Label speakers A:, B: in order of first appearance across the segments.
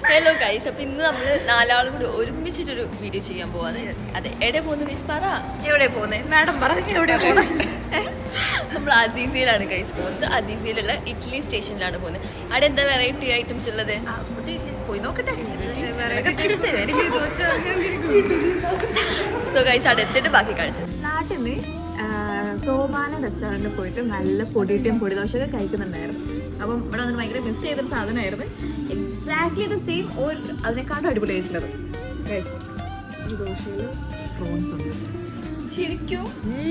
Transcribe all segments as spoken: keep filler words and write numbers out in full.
A: Hello guys, അപ്പോൾ ഇന്ന് നമ്മൾ നാലാളും കൂടി ഒരുമിച്ചിട്ടൊരു വീഡിയോ ചെയ്യാൻ പോവാണ്. അതെ, എവിടെ പോകുന്നത് ഗൈസ്? പറ,
B: എവിടെ പോകുന്നത് മാഡം? പറഞ്ഞു എവിടെ പോകുന്നത്?
A: നമ്മൾ അസീസിയിലാണ് ഗൈസ് പോകുന്നത്. അസീസിയിലുള്ള ഇഡ്ഡലി സ്റ്റേഷനിലാണ് പോകുന്നത്. അവിടെ എന്താ വെറൈറ്റി ഐറ്റംസ് ഉള്ളത്?
B: പോയി നോക്കട്ടെ.
A: സോ ഗൈസ്, അവിടെ എത്തിയിട്ട് ബാക്കി കാണിച്ചു.
C: നാട്ടിൽ നിന്ന് സോപാന റെസ്റ്റോറൻറ്റിൽ പോയിട്ട് നല്ല പൊടിയിട്ടും പൊടിദോശയൊക്കെ കഴിക്കുന്നുണ്ടായിരുന്നു. അപ്പം ഇവിടെ വന്നിട്ട് ഭയങ്കര മിസ് ചെയ്തൊരു സാധനമായിരുന്നു. എക്സാക്ട്ലി ദ സെയിം ഓർ അതിനെക്കാട്ടും അടിപൊളിയായിട്ടുള്ളത്. ഈ ദോശയിൽ പ്രോൺസ് ഉണ്ട്
A: ശരിക്കും.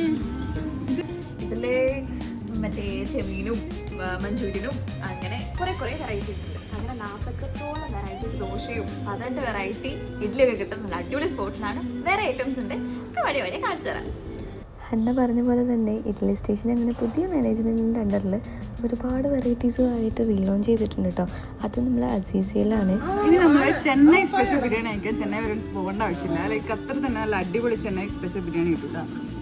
C: ഇതിൽ മറ്റേ ചെമീനും മഞ്ചൂരിയനും അങ്ങനെ കുറേ കുറേ വെറൈറ്റീസ് ഉണ്ട്. അങ്ങനെ നാൽപ്പത്തെട്ടോളം വെറൈറ്റീസ് ദോശയും പതിനെട്ട് വെറൈറ്റി ഇഡ്ഡലിയൊക്കെ കിട്ടും. നല്ല അടിപൊളി സ്പോട്ടിലാണ്. വേറെ ഐറ്റംസ് ഉണ്ട്, ഒക്കെ വഴി വഴി കാണിച്ചു തരാം.
D: ഹന്ന പറഞ്ഞ പോലെ തന്നെ ഇഡ്ഡലി സ്റ്റേഷൻ അങ്ങനെ പുതിയ മാനേജ്മെൻറ്റിൻ്റെ അണ്ടറിൽ ഒരുപാട് വെറൈറ്റീസുമായിട്ട് റീലോഞ്ച് ചെയ്തിട്ടുണ്ട് കേട്ടോ. അത് നമ്മൾ അസീസിയയിലാണ്.
E: ഇനി നമ്മൾ ചെന്നൈ സ്പെഷ്യൽ ബിരിയാണി കഴിക്കാൻ ചെന്നൈ വരെ പോകേണ്ട ആവശ്യമില്ല. ലൈക്ക് അത്ര തന്നെ നല്ല അടിപൊളി ചെന്നൈ സ്പെഷ്യൽ ബിരിയാണി കിട്ടുക.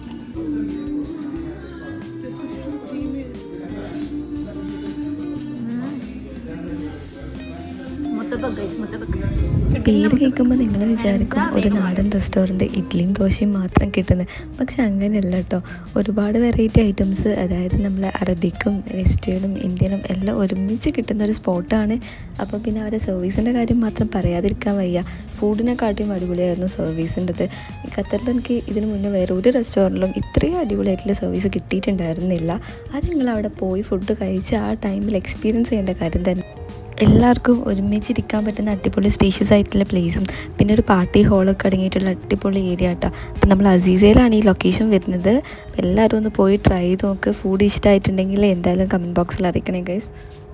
D: പേര് കേൾക്കുമ്പോൾ നിങ്ങൾ വിചാരിക്കും ഒരു നാടൻ റെസ്റ്റോറൻറ്റ് ഇഡ്ഡലിയും ദോശയും മാത്രം കിട്ടുന്നത്. പക്ഷെ അങ്ങനെയല്ല കേട്ടോ. ഒരുപാട് വെറൈറ്റി ഐറ്റംസ്, അതായത് നമ്മൾ അറബിക്കും വെസ്റ്റേണും ഇന്ത്യനും എല്ലാം ഒരുമിച്ച് കിട്ടുന്ന ഒരു സ്പോട്ടാണ്. അപ്പോൾ പിന്നെ അവരെ സർവീസിൻ്റെ കാര്യം മാത്രം പറയാതിരിക്കാൻ വയ്യ. ഫുഡിനെക്കാട്ടിയും അടിപൊളിയായിരുന്നു സർവീസിൻ്റെത്. ഖത്തറിൽ എനിക്ക് ഇതിന് മുന്നേ വേറെ ഒരു റെസ്റ്റോറൻറ്റിലും ഇത്രയും അടിപൊളിയായിട്ടുള്ള സർവീസ് കിട്ടിയിട്ടുണ്ടായിരുന്നില്ല. അത് നിങ്ങൾ അവിടെ പോയി ഫുഡ് കഴിച്ച് ആ ടൈമിൽ എക്സ്പീരിയൻസ് ചെയ്യേണ്ട കാര്യം തന്നെ. എല്ലാവർക്കും ഒരുമിച്ചിരിക്കാൻ പറ്റുന്ന അടിപൊളി സ്പേഷ്യസ് ആയിട്ടുള്ള പ്ലേസും പിന്നെ ഒരു പാർട്ടി ഹോളൊക്കെ അടങ്ങിയിട്ടുള്ള അടിപൊളി ഏരിയ കേട്ടോ. അപ്പം നമ്മൾ അസീസയിലാണ് ഈ ലൊക്കേഷൻ വരുന്നത്. അപ്പോൾ എല്ലാവരും ഒന്ന് പോയി ട്രൈ ചെയ്ത് നോക്ക്. ഫുഡ് ഇഷ്ടമായിട്ടുണ്ടെങ്കിൽ എന്തായാലും കമൻറ്റ് ബോക്സിൽ അറിയിക്കണേ ഗൈസ്.